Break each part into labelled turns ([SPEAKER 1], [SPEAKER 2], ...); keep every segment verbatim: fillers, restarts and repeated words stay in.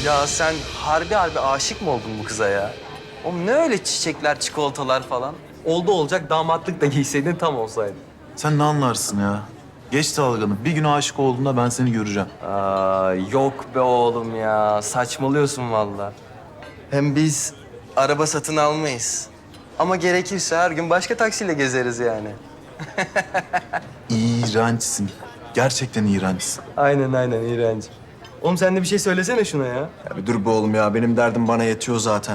[SPEAKER 1] Ya sen harbi harbi aşık mı oldun bu kıza ya? Oğlum ne öyle çiçekler, çikolatalar falan? Oldu olacak damatlık da giyseydin tam olsaydı.
[SPEAKER 2] Sen ne anlarsın ya? Geç dalganı. Bir gün aşık olduğunda ben seni göreceğim.
[SPEAKER 1] Aa, yok be oğlum ya. Saçmalıyorsun vallahi. Hem biz araba satın almayız. Ama gerekirse her gün başka taksiyle gezeriz yani.
[SPEAKER 2] İğrençsin. Gerçekten iğrençsin.
[SPEAKER 1] Aynen aynen İğrenç. Oğlum sen de bir şey söylesene şuna ya.
[SPEAKER 3] Ya bir dur be oğlum ya. Benim derdim bana yetiyor zaten.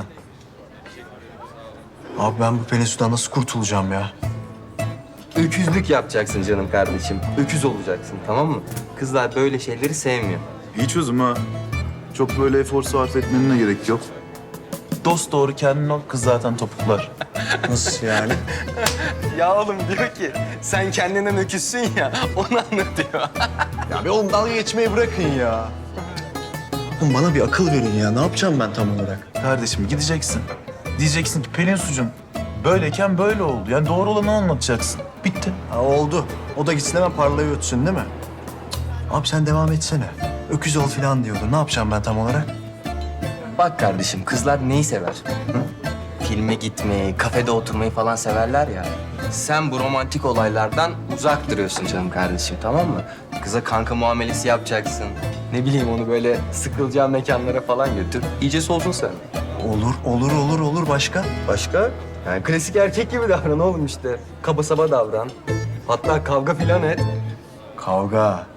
[SPEAKER 3] Abi ben bu Pelinsu'dan nasıl kurtulacağım ya?
[SPEAKER 1] Öküzlük yapacaksın canım kardeşim. Öküz olacaksın tamam mı? Kızlar böyle şeyleri sevmiyor.
[SPEAKER 2] İyi çözüm ha. Çok böyle efor sarf etmenin de gerek yok. Dost doğru kendin ol, kız zaten topuklar.
[SPEAKER 3] Nasıl yani?
[SPEAKER 1] Ya oğlum diyor ki sen kendinden öküzsün ya onu anlatıyor.
[SPEAKER 3] Ya bir oğlum dalga geçmeyi bırakın ya. Oğlum bana bir akıl verin ya. Ne yapacağım ben tam olarak?
[SPEAKER 2] Kardeşim gideceksin. Diyeceksin ki Pelin sucum böyleyken böyle oldu. Yani doğru olanı anlatacaksın. Bitti.
[SPEAKER 3] Ha oldu. O da gitsin hemen parlayı ötsün değil mi? Cık. Abi sen devam etsene. Öküz ol falan diyordu. Ne yapacağım ben tam olarak?
[SPEAKER 1] Bak kardeşim kızlar neyi sever? Hı? Filme gitmeyi, kafede oturmayı falan severler ya. Sen bu romantik olaylardan uzak duruyorsun canım kardeşim tamam mı? Kıza kanka muamelesi yapacaksın. Ne bileyim onu böyle sıkılacağı mekanlara falan götür. İyice solsun sen.
[SPEAKER 3] Olur, olur, olur, olur. Başka?
[SPEAKER 1] Başka? Yani klasik erkek gibi davran oğlum işte. Kaba saba davran. Hatta kavga filan et.
[SPEAKER 3] Kavga.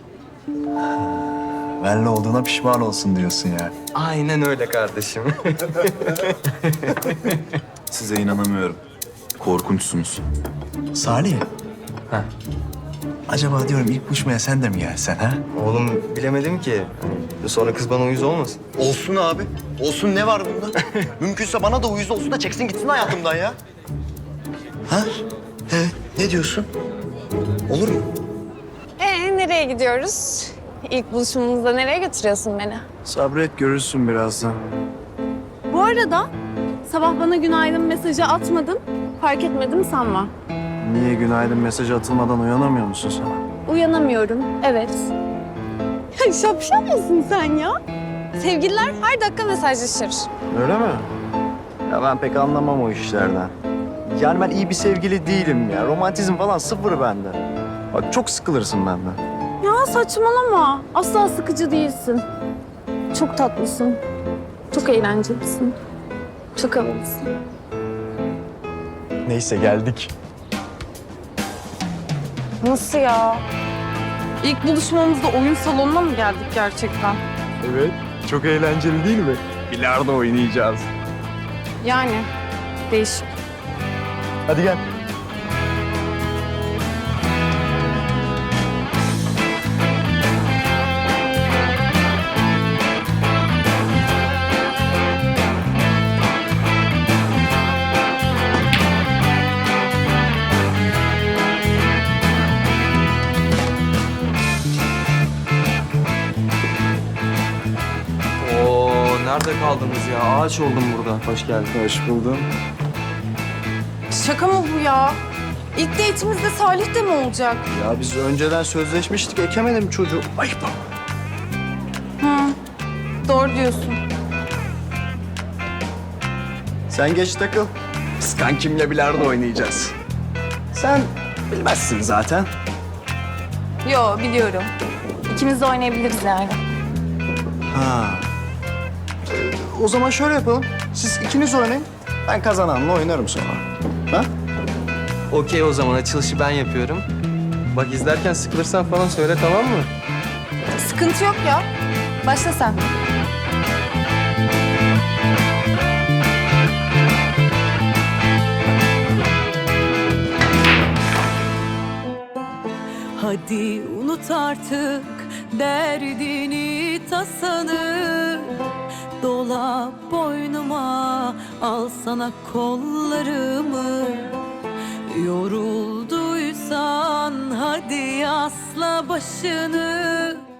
[SPEAKER 3] Benle olduğuna pişman olsun diyorsun yani.
[SPEAKER 1] Aynen öyle kardeşim.
[SPEAKER 2] Size inanamıyorum. Korkunçsunuz.
[SPEAKER 3] Salih.
[SPEAKER 1] Ha.
[SPEAKER 3] Acaba diyorum ilk buluşmaya sen de mi gelsen ha?
[SPEAKER 1] Oğlum bilemedim ki. Sonra kız bana uyuz olmasın.
[SPEAKER 3] Olsun abi. Olsun ne var bunda? Mümkünse bana da uyuz olsun da çeksin gitsin hayatımdan ya. Ha? Evet. Ne diyorsun? Olur mu?
[SPEAKER 4] Ee, nereye gidiyoruz? İlk buluşmamızda nereye götürüyorsun beni?
[SPEAKER 3] Sabret görürsün birazdan.
[SPEAKER 4] Bu arada sabah bana günaydın mesajı atmadın. Fark etmedim sanma.
[SPEAKER 3] Niye günaydın mesajı atılmadan uyanamıyor musun sen?
[SPEAKER 4] Uyanamıyorum, evet. Ya şapşal mısın sen ya? Sevgililer her dakika mesajlaşır.
[SPEAKER 3] Öyle mi? Ya ben pek anlamam o işlerden. Yani ben iyi bir sevgili değilim ya. Romantizm falan sıfır bende. Bak çok sıkılırsın benden.
[SPEAKER 4] Ya saçmalama. Asla sıkıcı değilsin. Çok tatlısın. Çok eğlencelisin. Çok havalısın.
[SPEAKER 3] Neyse geldik.
[SPEAKER 4] Nasıl ya? İlk buluşmamızda oyun salonuna mı geldik gerçekten?
[SPEAKER 3] Evet. Çok eğlenceli değil mi? Bilardo oynayacağız.
[SPEAKER 4] Yani değişik.
[SPEAKER 3] Hadi gel.
[SPEAKER 1] Oo nerede kaldınız ya? Ağaç oldum burada. Hoş geldin.
[SPEAKER 3] Hoş buldum.
[SPEAKER 4] Şaka mı bu ya? İlk date'imizde Salih de mi olacak?
[SPEAKER 3] Ya biz önceden sözleşmiştik. Ekemedim çocuğu. Ayıp.
[SPEAKER 4] Hı. Doğru diyorsun.
[SPEAKER 3] Sen geç takıl. Biz kankimle bilardo oynayacağız. Sen bilmezsin zaten.
[SPEAKER 4] Yo biliyorum. İkimiz de oynayabiliriz yani.
[SPEAKER 3] Ha. Ee, o zaman şöyle yapalım. Siz ikiniz oynayın. Ben kazananla oynarım sonra. Ha?
[SPEAKER 1] Okey o zaman açılışı ben yapıyorum. Bak izlerken sıkılırsan falan söyle tamam mı?
[SPEAKER 4] Sıkıntı yok ya. Başla sen.
[SPEAKER 5] Hadi unut artık derdini tasanı. Dola boynuma, al sana kollarımı. Yorulduysan hadi asla başını.